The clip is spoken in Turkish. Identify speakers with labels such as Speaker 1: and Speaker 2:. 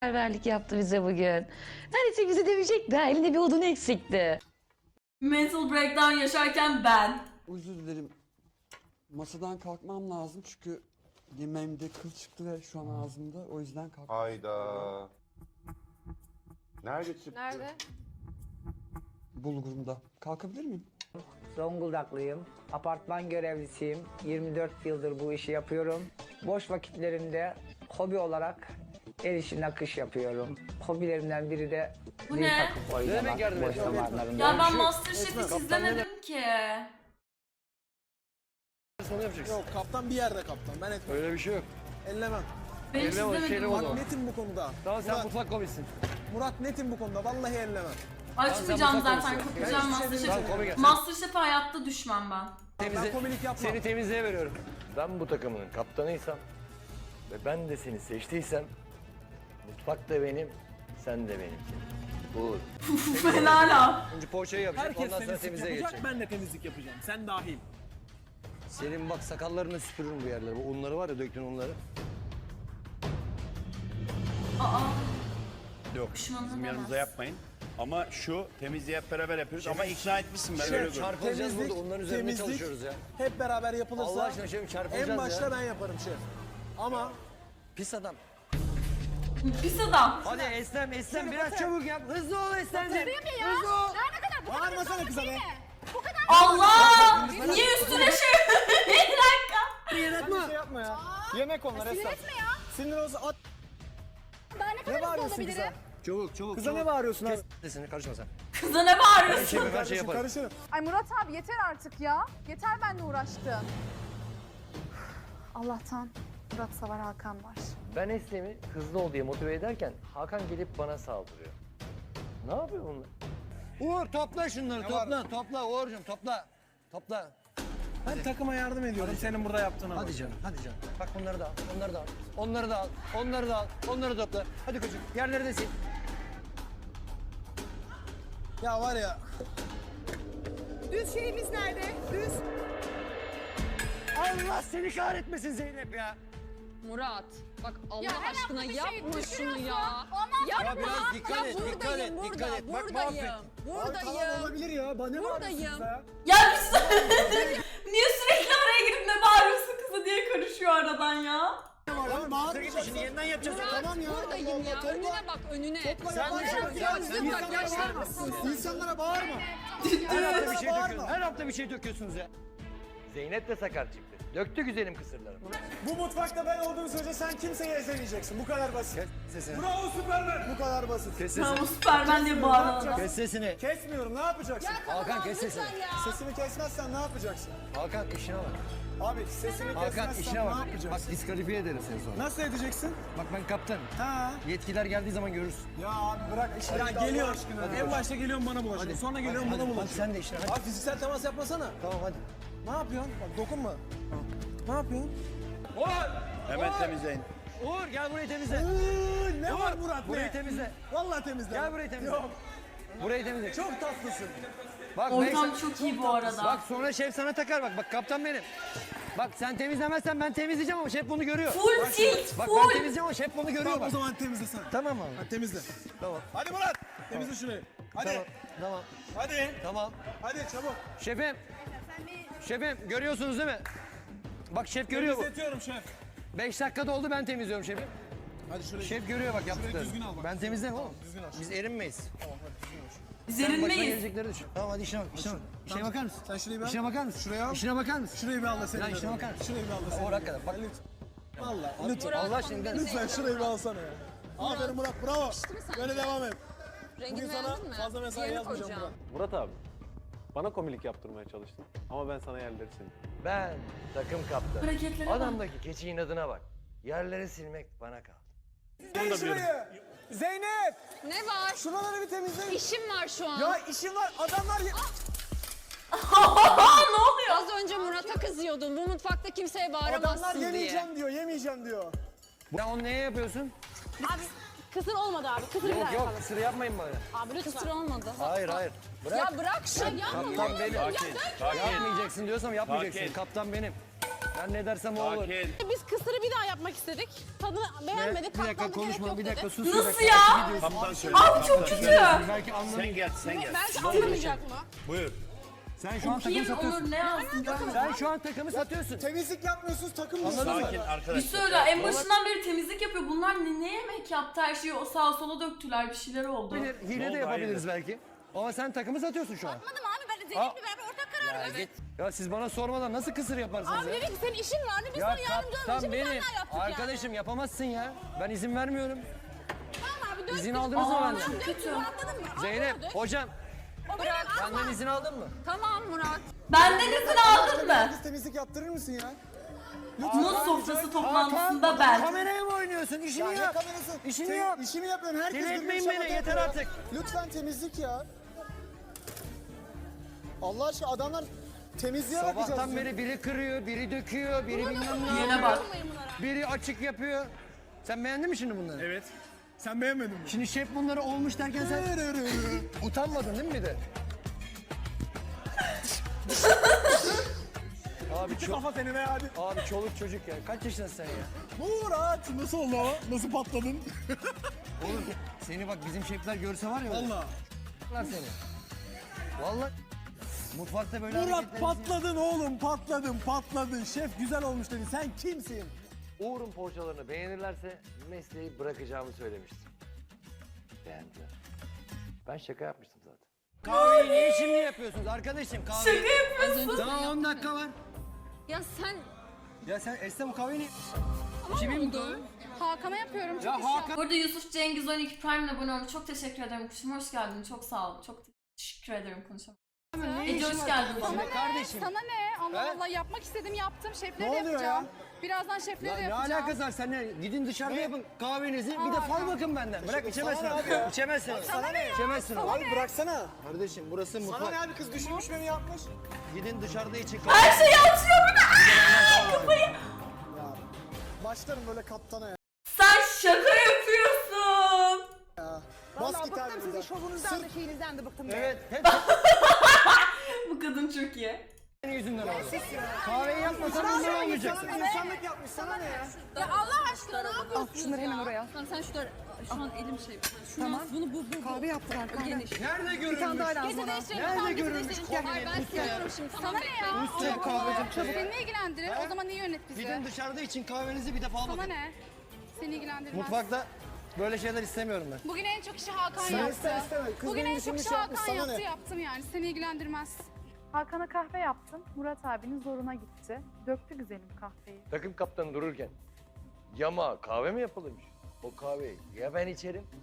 Speaker 1: Misafirperverlik yaptı bize bugün. Neredeyse bizi dövecekti. Ha, elinde bir odun eksikti.
Speaker 2: Mental breakdown yaşarken ben.
Speaker 3: Özür dilerim. Masadan kalkmam lazım çünkü yemeğimde kıl çıktı ve şu an ağzımda. O yüzden kalk.
Speaker 4: Hayda. Nerede çıktı?
Speaker 5: Nerede?
Speaker 3: Bulgurumda. Kalkabilir miyim?
Speaker 6: Zonguldaklıyım. Apartman görevlisiyim. 24 yıldır bu işi yapıyorum. Boş vakitlerimde hobi olarak el işi nakış yapıyorum. Hobilerimden biri de
Speaker 2: Bu
Speaker 6: zil
Speaker 2: ne?
Speaker 6: takıp oynamak boş zamanlarımda.
Speaker 2: Ya ben Masterchef hiç izlemedim ki.
Speaker 7: Onu yapacaksın.
Speaker 8: Yok kaptan bir yerde kaptan. Ben etmem.
Speaker 7: Öyle bir şey yok.
Speaker 8: Ellemem.
Speaker 2: Ben hiç
Speaker 7: Elime o şeyle
Speaker 2: izlemedim.
Speaker 7: oldu.
Speaker 8: Bak netim bu konuda.
Speaker 7: Tamam sen
Speaker 8: Murat,
Speaker 7: mutfak komissin.
Speaker 8: Murat netim bu konuda. Vallahi ellemem.
Speaker 2: Açmayacağım
Speaker 7: mutfak
Speaker 2: zaten.
Speaker 7: konuşuyorsun.
Speaker 2: Kapatacağım
Speaker 8: Ben hiçbir şey
Speaker 2: Masterchef'i.
Speaker 7: Tamam, gel.
Speaker 2: Masterchef'e hayatta düşmem ben.
Speaker 8: Ben komilik yapmam.
Speaker 7: Seni temizliğe veriyorum. Ben bu takımının kaptanıysam ve ben de seni seçtiysem mutfak da benim, sen de benimki. Bu
Speaker 2: Fena la.
Speaker 7: önce poğaçayı yapacak,
Speaker 8: Herkes
Speaker 7: ondan sonra
Speaker 8: temizlik
Speaker 7: temizliğe
Speaker 8: yapacak.
Speaker 7: geçecek.
Speaker 8: Ben de temizlik yapacağım. Sen dahil.
Speaker 7: Senin bak sakallarını süpürürüm bu yerlere. Bu unları var ya, döktün unları.
Speaker 2: Aa.
Speaker 9: Yok,
Speaker 2: Pişmanlığım
Speaker 9: bizim
Speaker 2: olmaz.
Speaker 9: yanımıza yapmayın. Ama şu temizliği hep beraber yapıyoruz ama ikna etmişsin ben öyle görüyorum.
Speaker 7: Çarpılacağız burada, onların üzerinde
Speaker 8: temizlik
Speaker 7: çalışıyoruz ya.
Speaker 8: hep beraber yapılırsa
Speaker 7: Allah aşkına şefim, çarpılacağız
Speaker 8: en başta
Speaker 7: ya.
Speaker 8: ben yaparım şef. Ama
Speaker 7: Pis adam.
Speaker 2: Pis adam.
Speaker 7: Hadi Eslem, biraz çabuk yap. Hızlı ol Eslem'ciğim.
Speaker 8: hızlı ol.
Speaker 5: Daha ne kadar? Bu kadar
Speaker 8: Bağırmasana
Speaker 5: hızlı
Speaker 8: kıza be.
Speaker 5: değil mi? Bu kadar
Speaker 2: Allah! Niye üstüne şey? Bir dakika.
Speaker 8: Yapma. Şey yapma ya. Yemek onlar
Speaker 5: Sinir
Speaker 8: Esra.
Speaker 5: etme ya.
Speaker 8: Sinir olsa at.
Speaker 5: Daha ne kadar
Speaker 8: Ne
Speaker 5: hızlı
Speaker 8: bağırıyorsun kıza?
Speaker 5: olabilirim?
Speaker 7: Çabuk.
Speaker 8: Kıza ne bağırıyorsun abi?
Speaker 7: Sesini karışma sen.
Speaker 2: Kıza ne bağırıyorsun?
Speaker 7: Şefim her şey
Speaker 8: Kardeşim
Speaker 7: yaparım.
Speaker 8: karışırım.
Speaker 10: Ay Murat abi yeter artık ya. Yeter benimle uğraştın. Allah'tan Murat Savar Hakan var.
Speaker 7: Ben Eslem'i hızlı ol diye motive ederken Hakan gelip bana saldırıyor. Ne yapıyor bunlar? Uğur topla şunları, topla Uğur'cum topla.
Speaker 8: Ben takıma yardım ediyorum senin burada yaptığına bak.
Speaker 7: Hadi canım. Bak bunları da al, onları da topla. Hadi koçum, yerleri de sil.
Speaker 8: Ya var ya.
Speaker 10: Düz şeyimiz nerede? Düz.
Speaker 7: Allah seni kahretmesin Zeynep ya.
Speaker 5: Murat, bak Allah
Speaker 10: Ya her
Speaker 5: aşkına
Speaker 10: hafta bir şey
Speaker 5: yapma şunu
Speaker 10: düşürüyorsun.
Speaker 5: ya.
Speaker 10: Ondan
Speaker 5: Yapma.
Speaker 7: Ya biraz dikkat et,
Speaker 5: buradayım,
Speaker 7: dikkat et. Bak
Speaker 5: buradayım.
Speaker 8: Abi tamam olabilir ya. Bana ne
Speaker 5: Buradayım.
Speaker 8: bağırıyorsun ya?
Speaker 2: Ya niye sürekli oraya gidip ne bağırıyorsun kıza diye karışıyor aradan ya?
Speaker 8: Tamam bağırmayacaksın.
Speaker 7: Şimdi yeniden yapacağız.
Speaker 8: Tamam ya.
Speaker 5: Buradayım
Speaker 8: Allah
Speaker 5: ya.
Speaker 8: Allah, topla.
Speaker 5: Önüne bak, önüne.
Speaker 8: Sen
Speaker 5: İnsanlara bağırma.
Speaker 8: İnsanlara bağırma.
Speaker 7: Her hafta bir şey döküyorsunuz ya. Zeynep de sakar çıktı. Döktü güzelim kısırları.
Speaker 8: Bu mutfakta ben olduğum sürece sen kimseyi ezemeyeceksin. Bu kadar basit.
Speaker 7: Kes sesini.
Speaker 8: Bravo Süpermen. Bu kadar basit.
Speaker 7: Kes
Speaker 2: Tamam
Speaker 7: sesini.
Speaker 2: Süpermen diye bağıran adam.
Speaker 7: Kes sesini.
Speaker 8: Kesmiyorum. Ne yapacaksın?
Speaker 7: Hakan kes sesini.
Speaker 8: Sesimi kesmezsen ne yapacaksın?
Speaker 7: Hakan işine bak.
Speaker 8: Abi sesimi
Speaker 7: Hakan
Speaker 8: kesmezsen
Speaker 7: işine
Speaker 8: ne
Speaker 7: bak. Bak
Speaker 8: yapacaksın?
Speaker 7: diskalifiye ederim seni sonra.
Speaker 8: Nasıl edeceksin?
Speaker 7: Bak ben kaptanım.
Speaker 8: Ha.
Speaker 7: Yetkiler geldiği zaman görürsün.
Speaker 8: Ya abi bırak işini. Ya geliyor. En başta geliyorum bana bulaşıyor. Sonra geliyorum bana
Speaker 7: Hadi
Speaker 8: bulaşıyor.
Speaker 7: sen de işine. Hadi.
Speaker 8: Abi fiziksel temas yapmasana.
Speaker 7: Tamam hadi.
Speaker 8: Ne yapıyorsun? Bak dokunma. Ne yapıyorsun?
Speaker 9: Hemen temizleyin.
Speaker 7: Uğur gel burayı temizle.
Speaker 8: Ne var Murat
Speaker 7: Burayı
Speaker 8: ne?
Speaker 7: temizle.
Speaker 8: Vallahi temizle.
Speaker 7: Gel burayı temizle.
Speaker 8: Yok.
Speaker 7: Burayı temizle.
Speaker 8: Çok tatlısın.
Speaker 7: Bak
Speaker 2: Ortam çok iyi bu arada.
Speaker 7: Bak sonra şef sana takar bak. Bak kaptan benim. Bak sen temizlemezsen ben temizleyeceğim ama şef bunu görüyor.
Speaker 2: Full tilt,
Speaker 7: Bak ben
Speaker 2: full.
Speaker 7: temizleyeceğim ama şef bunu görüyor
Speaker 8: Tamam o
Speaker 7: bak.
Speaker 8: zaman temizle sen.
Speaker 7: Tamam abi.
Speaker 8: Hadi temizle.
Speaker 7: Tamam.
Speaker 8: Hadi Murat. Temizle şurayı. Hadi.
Speaker 7: Tamam. Tamam.
Speaker 8: Hadi.
Speaker 7: Tamam.
Speaker 8: Hadi çabuk.
Speaker 7: Şefim görüyorsunuz değil mi? Bak şef görüyor bu.
Speaker 8: Temizletiyorum şef.
Speaker 7: 5 dakikada oldu ben temizliyorum şefim.
Speaker 8: Hadi şurayı.
Speaker 7: Şef görüyor bak yaptıklarını.
Speaker 8: düzgün al bak.
Speaker 7: Ben temizlerim oğlum.
Speaker 8: Düzgün al.
Speaker 7: Biz erinmeyiz.
Speaker 2: Biz
Speaker 7: Sen başına
Speaker 2: erinmeyiz.
Speaker 7: gelecekleri düşün. Tamam hadi işine bak. İşine bakar mısın?
Speaker 8: Sen şurayı bir al.
Speaker 7: İşine bakar mısın?
Speaker 8: Şuraya al.
Speaker 7: İşine bakar mısın?
Speaker 8: Şurayı bir al da seni.
Speaker 7: Lan işine bakar mısın?
Speaker 8: Şurayı bir al da seni.
Speaker 7: Uğur hakikaten bak.
Speaker 8: Vallahi lütfen.
Speaker 7: Allah aşkına gider misin?
Speaker 8: Lütfen şurayı bir alsana ya. Aferin Murat bravo. Böyle devam et.
Speaker 5: Rengini
Speaker 8: Bugün sana
Speaker 5: beğendin mi?
Speaker 8: fazla mesai
Speaker 5: Diğerini
Speaker 8: yazmayacağım
Speaker 5: koyacağım.
Speaker 8: Murat.
Speaker 11: Murat abi, bana komilik yaptırmaya çalıştın ama ben sana yerleri sildim.
Speaker 7: Ben takım kaptanı.
Speaker 2: Hareketlere bak.
Speaker 7: Adamdaki keçi inadına bak. Yerleri silmek bana kaldı.
Speaker 8: Gel şuraya. Zeynep.
Speaker 5: Ne var?
Speaker 8: Şuraları bir temizle.
Speaker 5: İşim var şu an.
Speaker 8: Ya işim var adamlar.
Speaker 2: Ne oluyor?
Speaker 5: Az önce Murat'a kızıyordun. Bu mutfakta kimseye
Speaker 8: Adamlar
Speaker 5: bağıramazsın diye.
Speaker 8: yemeyeceğim diyor.
Speaker 7: Ya onu neye yapıyorsun?
Speaker 5: Abi kısır olmadı abi. Kısır bir daha
Speaker 7: Yok
Speaker 5: yapalım.
Speaker 7: kısır yapmayın bana.
Speaker 5: Abi lütfen. Kısır olmadı.
Speaker 7: Hayır. Bırak.
Speaker 5: Ya bırak şunu yapma.
Speaker 7: Kaptan benim.
Speaker 9: Sakin.
Speaker 7: Yapmayacaksın diyorsam yapmayacaksın.
Speaker 9: Sakin.
Speaker 7: Kaptan benim. Ben ne dersem o olur.
Speaker 9: Sakin.
Speaker 5: Biz kısırı bir daha yapmak istedik. Tadını beğenmedik.
Speaker 7: Bir dakika konuşma, bir dakika sus.
Speaker 2: Nasıl ya?
Speaker 9: Kaptan söyle.
Speaker 2: Abi çok kötü.
Speaker 7: Belki anlamayın.
Speaker 9: Sen gel, sen gel.
Speaker 5: Bence anlamayacak mı?
Speaker 9: Buyur.
Speaker 7: Sen şu an takım
Speaker 2: Kim
Speaker 7: satıyorsun.
Speaker 2: Onur ne yazdın?
Speaker 7: Sen şu an takımı satıyorsun.
Speaker 8: Temizlik yapmıyorsunuz takım
Speaker 7: Anladın mı?
Speaker 9: Sakin
Speaker 2: Bir
Speaker 9: arkadaşlar.
Speaker 2: söyle en başından beri temizlik yapıyor. Bunlar ne yemek yaptı her şeyi o sağa sola döktüler bir şeyler oldu.
Speaker 7: Hile
Speaker 9: oldu,
Speaker 7: de yapabiliriz
Speaker 9: hayırdır?
Speaker 7: belki. Ama sen takımı satıyorsun şu an.
Speaker 5: Anladım abi ben de Zeynep'le beraber ortak karar verdik.
Speaker 7: Ya siz bana sormadan nasıl kısır yaparsınız
Speaker 5: Abi
Speaker 7: ya?
Speaker 5: dedik ki senin işin vardı biz
Speaker 7: Ya
Speaker 5: sana yardımcı olmak
Speaker 7: kaptan
Speaker 5: için bir tane
Speaker 7: benim.
Speaker 5: daha yaptık
Speaker 7: Arkadaşım yapamazsın ya. Ben izin vermiyorum.
Speaker 5: yani. Tamam abi dört
Speaker 7: İzin
Speaker 5: gün-
Speaker 7: aldınız mı
Speaker 2: Aa,
Speaker 7: benden?
Speaker 2: çok kötü.
Speaker 5: Anladın mı?
Speaker 7: Zeynep,
Speaker 5: Anlamadık.
Speaker 7: hocam
Speaker 5: O benim ama.
Speaker 7: benden izin aldın mı?
Speaker 5: Tamam Murat.
Speaker 2: Benden izin aldın mı?
Speaker 8: Biz temizlik yaptırır mısın ya?
Speaker 2: Muz sofrası toplantısında ben.
Speaker 7: Kameraya mı oynuyorsun? İşini
Speaker 8: Ya ne
Speaker 7: yap.
Speaker 8: kamerası?
Speaker 7: İşini yap.
Speaker 8: İşimi yapıyorum. Herkes
Speaker 7: Deli
Speaker 8: birbirini
Speaker 7: etmeyin beni,
Speaker 8: şamata
Speaker 7: yeter
Speaker 8: yapıyor ya.
Speaker 7: artık.
Speaker 8: Lütfen temizlik ya. Allah aşkına adamlar temizliğe bakacağız.
Speaker 7: Sabahtan beri biri kırıyor, biri döküyor, biri bilmem ne
Speaker 2: Yine
Speaker 7: yapıyor.
Speaker 2: bak.
Speaker 7: Biri açık yapıyor. Sen beğendin mi şimdi bunları?
Speaker 8: Evet. Sen beğenmedin mi?
Speaker 7: Şimdi şef bunları olmuş derken sen utanmadın değil mi bir de? Abi
Speaker 8: Kafa seni be hadi.
Speaker 7: Abi çoluk çocuk ya. Kaç yaşındasın sen ya?
Speaker 8: Murat nasıl oldu o? Nasıl patladın?
Speaker 7: Oğlum seni bak bizim şefler görse var ya.
Speaker 8: Allah.
Speaker 7: Vallahi seni. Vallahi mutfakta böyle
Speaker 8: Murat
Speaker 7: hareketlerinizi-
Speaker 8: patladın oğlum patladın. Şef güzel olmuş dedi. Sen kimsin?
Speaker 7: Uğur'un poğaçalarını beğenirlerse mesleği bırakacağımı söylemiştim. Beğendiler. Ben şaka yapmıştım zaten. Kahveyi niye şimdi yapıyorsunuz arkadaşım? Kahveyi...
Speaker 2: Şaka yapıyorsun.
Speaker 7: Daha 10 dakika var.
Speaker 5: Ya sen
Speaker 7: Ya sen Esra bu kahveyi niye...
Speaker 5: kimin oldu? Hakan'a yapıyorum çok
Speaker 7: Ya Hakan...
Speaker 2: Burada Yusuf Cengiz 12 Prime'le abone olmuş. Çok teşekkür ederim kuşum. Hoş geldin. Çok sağ ol. Çok teşekkür ederim konuşalım. Ece hoş geldin.
Speaker 7: Sana kardeşim.
Speaker 10: Sana ne? Allah
Speaker 7: He?
Speaker 10: Allah yapmak istedim yaptım. Şefleri
Speaker 8: Ne
Speaker 10: de
Speaker 8: oluyor
Speaker 10: yapacağım.
Speaker 8: ya?
Speaker 10: Birazdan şefleri
Speaker 7: Ya
Speaker 10: de
Speaker 7: ne
Speaker 10: yapacağım.
Speaker 7: alakası var seninle? Gidin dışarıda yapın kahvenizi. Bir de fal bakın benden. Bırak içemezsin.
Speaker 8: Sana ne abi ya?
Speaker 7: İçemezsin.
Speaker 8: Sana ne ya?
Speaker 7: İçemezsin.
Speaker 8: Abi bıraksana.
Speaker 7: Kardeşim burası
Speaker 8: Sana
Speaker 7: mutfak.
Speaker 8: ne abi kız düşünmüş beni yapmış.
Speaker 7: Gidin dışarıda için
Speaker 2: Her şeyi atıyor bir de. Aa, kafayı.
Speaker 8: Ya başlarım böyle kaptana ya.
Speaker 2: Sen şaka yapıyorsun.
Speaker 8: Bas git abi buradan.
Speaker 10: şovunuzdan da şeyinizden de bıktım.
Speaker 7: Evet. Hep
Speaker 2: Bu kadın çok iyi.
Speaker 7: senin yüzünden oldu. Kahveyi yapmasan bundan olmayacaksın.
Speaker 8: İnsanlık yapmış sana ne ya?
Speaker 5: Ya Allah aşkına ne yapıyorsun?
Speaker 10: Al şunları hemen oraya al.
Speaker 5: Tamam sen şunları şu an elim şey. Şunu tamam. Bunu bu.
Speaker 10: Kahve yaptılar kahve.
Speaker 5: Geniş.
Speaker 7: Nerede görülmüş?
Speaker 10: Bir tane daha lazım
Speaker 5: Gece
Speaker 10: bana.
Speaker 5: değiştirelim.
Speaker 7: Nerede
Speaker 5: Tamam, gece
Speaker 7: görülmüş
Speaker 5: değiştirelim. Hayır ben seviyorum şimdi.
Speaker 10: Sana ne ya?
Speaker 7: Üstüne kahvecim
Speaker 10: Çabuk seni ne ilgilendirir? O zaman niye yönet bizi?
Speaker 7: Gidin dışarıda için kahvenizi bir de fal
Speaker 10: Sana
Speaker 7: bakın.
Speaker 10: ne? Seni ilgilendirmez.
Speaker 7: Mutfakta böyle şeyler istemiyorum ben.
Speaker 10: Bugün en çok işi Hakan
Speaker 8: Sen
Speaker 10: yaptı.
Speaker 8: iste isteme. Kız
Speaker 10: Bugün
Speaker 8: benim
Speaker 10: en
Speaker 8: işimi
Speaker 10: çok işi
Speaker 8: şey yapmış,
Speaker 10: Hakan
Speaker 8: sana
Speaker 10: yaptı
Speaker 8: ne?
Speaker 10: yaptım yani. Seni ilgilendirmez.
Speaker 4: Hakan'a kahve yaptım. Murat abinin zoruna gitti. Döktü güzelim kahveyi.
Speaker 7: Takım kaptanı dururken yama kahve mi yapılırmış? O kahveyi ya ben içerim